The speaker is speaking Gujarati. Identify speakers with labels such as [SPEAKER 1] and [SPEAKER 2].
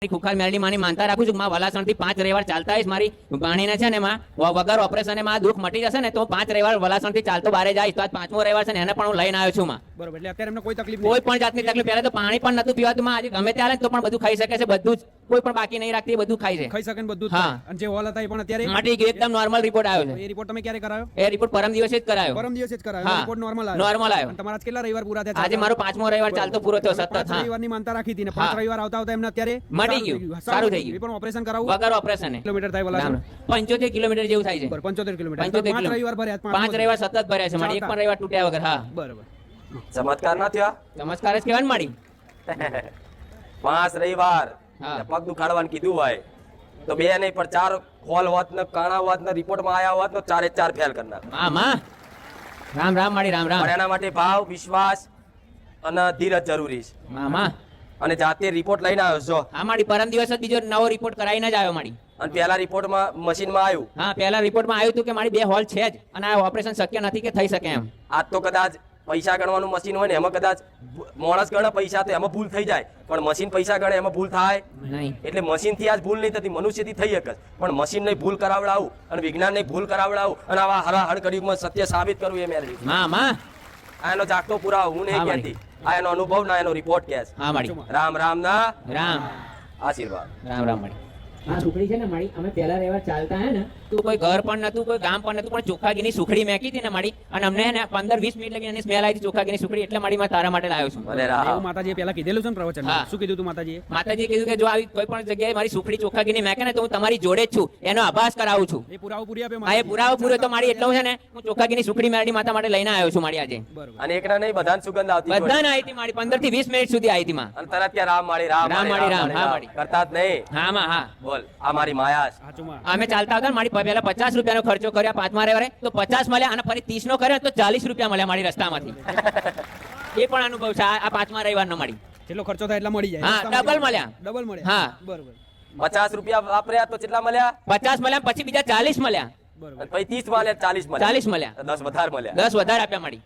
[SPEAKER 1] ખુખાર મેલડી માની માનતા રાખું છું માં વલાસણથી 5 રવિવાર ચાલતા આવીશ મારી ભાણીને છે ને માં વગર ઓપરેશને માં દુઃખ મટી જશે ને તો 5 રવિવાર વલાસણથી ચાલતો બારે જાય તો આજ 5મો રવિવાર છે ને એને પણ હું લઈને આવ્યો છું માં
[SPEAKER 2] બરોબર એટલે અત્યારે એમને કોઈ તકલીફ
[SPEAKER 1] કોઈ પણ જાતની તકલીફ પહેલા તો પાણી પણ નતું પીવાતું માં આજે ગમે ત્યારે તો પણ બધું ખાઈ શકે છે બધું જ કોઈ પણ બાકી નહીં રાખતી બધું ખાય છે
[SPEAKER 2] ખાઈ શકે ને બધું જ
[SPEAKER 1] હા.
[SPEAKER 2] થાય. અને જે હોલ હતા એ પણ અત્યારે
[SPEAKER 1] મટી ગયું એકદમ નોર્મલ રિપોર્ટ આવ્યો છે
[SPEAKER 2] એ રિપોર્ટ તમે ક્યારે કરાયો
[SPEAKER 1] એ રિપોર્ટ પરમ દિવસે જ કરાયો
[SPEAKER 2] પરમ દિવસે જ કરાયો
[SPEAKER 1] હા.
[SPEAKER 2] રિપોર્ટ નોર્મલ આવ્યો
[SPEAKER 1] નોર્મલ આવ્યો
[SPEAKER 2] અને તમારા આજ કેટલા રવિવાર પૂરા થયા
[SPEAKER 1] આજે મારો 5મો રવિવાર ચાલતો પૂરો થયો સતત
[SPEAKER 2] 5
[SPEAKER 1] હા
[SPEAKER 2] રવિવારની માનતા રાખી હતી ને 5
[SPEAKER 1] હા.
[SPEAKER 2] રવિવાર આવતા આવતા એમને અત્યારે
[SPEAKER 1] મટી ગયું. સારું થઈ ગયું.
[SPEAKER 2] એ પણ ઓપરેશન કરાવવું
[SPEAKER 1] વગર ઓપરેશન
[SPEAKER 2] કિલોમીટર થાય વલાસણ
[SPEAKER 1] 75 કિલોમીટર જેવું થાય છે
[SPEAKER 2] બરોબર 75 કિલોમીટર
[SPEAKER 1] 75
[SPEAKER 2] 5 રવિવાર ભર્યા
[SPEAKER 1] 5 રવિવાર સતત ભર્યા છે મારી એક પણ રવિવાર તૂટ્યા વગર હા
[SPEAKER 2] બરોબર
[SPEAKER 3] ચમત્કાર ના થયા
[SPEAKER 1] ચમત્કાર જ કહેવાય ને મારી
[SPEAKER 3] 5 રવિવાર
[SPEAKER 1] હા.
[SPEAKER 3] પગ દુખાડવાનું કીધું હોય તો 2 નહીં પણ 4 ખોલ હોત ને કાણા હોત ને રિપોર્ટમાં આયા હોત તો 4 ફેલ કરી નાખ
[SPEAKER 1] હા માં રામ રામ મારી રામ રામ
[SPEAKER 3] પણ એના માટે ભાવ વિશ્વાસ અને ધીરજ જરૂરી છે
[SPEAKER 1] મામા
[SPEAKER 3] અને જાતે રિપોર્ટ લઈને આવ્યો છો
[SPEAKER 1] હા મારી પરમ દિવસ જ બીજો નવો રિપોર્ટ કરાવીને જ આવ્યો મારી
[SPEAKER 3] અને પહેલા રિપોર્ટમાં મશીનમાં આવ્યું
[SPEAKER 1] હા પહેલા રિપોર્ટમાં આવ્યું હતું કે મારી 2 હોલ છે જ અને આ ઓપરેશન શક્ય નથી કે થઈ શકે એમ
[SPEAKER 3] આજ તો કદાચ પૈસા ગણવાનું મશીન હોય ને એમાં કદાચ માણસ ગણે પૈસા તો એમાં ભૂલ થઈ જાય પણ મશીન પૈસા ગણે એમાં ભૂલ થાય
[SPEAKER 1] નહીં
[SPEAKER 3] એટલે મશીન થી આજ ભૂલ નહીં થતી મનુષ્યથી થઈ શકે પણ મશીન ને ભૂલ કરાવડાવું અને વિજ્ઞાન ને ભૂલ કરાવડાવું અને આવા હરાહર કળિયુગમાં સત્ય સાબિત કરવું એ મેળવી
[SPEAKER 1] મામા
[SPEAKER 3] આ એનો જાગતો પુરાવો હું નહીં
[SPEAKER 1] હા,
[SPEAKER 3] કહેતી આ એનો અનુભવ ના એનો રિપોર્ટ કહે છે
[SPEAKER 1] હા મારી
[SPEAKER 3] રામ રામ ના
[SPEAKER 1] રામ
[SPEAKER 3] આશીર્વાદ
[SPEAKER 1] રામ રામ મારી આ સુખડી છે ને મારી અમે પહેલા રહેવા ચાલતા હે ને તો કોઈ ઘર પણ નતું કોઈ ગામ પણ નતું પણ ચોખાગીની સુખડી મેકી હતી ને મારી અને અમને હે ને 15-20 મિનિટ લગી એની સ્મેલ આવી હતી ચોખાગીની સુખડી એટલે મારી માં તારા માટે લાવ્યો છું
[SPEAKER 3] ભલે
[SPEAKER 2] એવું
[SPEAKER 3] રામ
[SPEAKER 2] માતાજીએ પહેલા કીધેલું છે ને પ્રવચન
[SPEAKER 1] હા.
[SPEAKER 2] શું કીધું તું માતાજીએ
[SPEAKER 1] માતાજીએ કીધું કે જો આવી કોઈ પણ જગ્યાએ મારી સુખડી ચોખાગીની મેકે ને તો હું તમારી જોડે જ છું એનો આભાસ કરાવું છું
[SPEAKER 2] એ પુરાવો પૂરી આપ્યો
[SPEAKER 1] આ એ પુરાવો પૂરો તો મારી એટલો છે ને હું ચોખાગીની સુખડી મેરડી માતા માટે લઈને આવ્યો છું મારી આજે
[SPEAKER 2] બરોબર
[SPEAKER 3] અને એકના નહીં બધાને સુગંધ આવતી હોય.
[SPEAKER 1] બધાને આવી હતી મારી 15-20 મિનિટ સુધી આવી હતી માં
[SPEAKER 3] અને તરત ત્યાં રામ માળી રામ
[SPEAKER 1] રામ
[SPEAKER 3] માળી,
[SPEAKER 1] માળી, રામ, હા માળી.
[SPEAKER 3] કરતા જ નહીં
[SPEAKER 1] હા માં હા
[SPEAKER 3] બોલ આ મારી માયા છે.
[SPEAKER 2] સાચું માં
[SPEAKER 1] અમે ચાલતા હતા ને મારી પહેલા 50 રૂપિયાનો ખર્ચો કર્યા 5મા રવિવારે તો 50 મળ્યા અને ફરી 30 નો કર્યો તો 40 રૂપિયા મળ્યા મારી રસ્તામાંથી એ પણ અનુભવ છે આ 5મા રવિવારનો મારી
[SPEAKER 2] જેટલો ખર્ચો થાય એટલા મળી જાય
[SPEAKER 1] હા, ડબલ મળ્યા.
[SPEAKER 2] ડબલ મળ્યા
[SPEAKER 1] હા.
[SPEAKER 2] બરોબર
[SPEAKER 3] 50 રૂપિયા વાપર્યા તો કેટલા મળ્યા
[SPEAKER 1] 50 મળ્યા પછી બીજા 40 મળ્યા
[SPEAKER 2] બરોબર
[SPEAKER 3] અને પછી 30 મળ્યા 40 મળ્યા
[SPEAKER 1] 40 મળ્યા
[SPEAKER 3] 10 વધારે મળ્યા
[SPEAKER 1] 10 વધારે આપ્યા મારી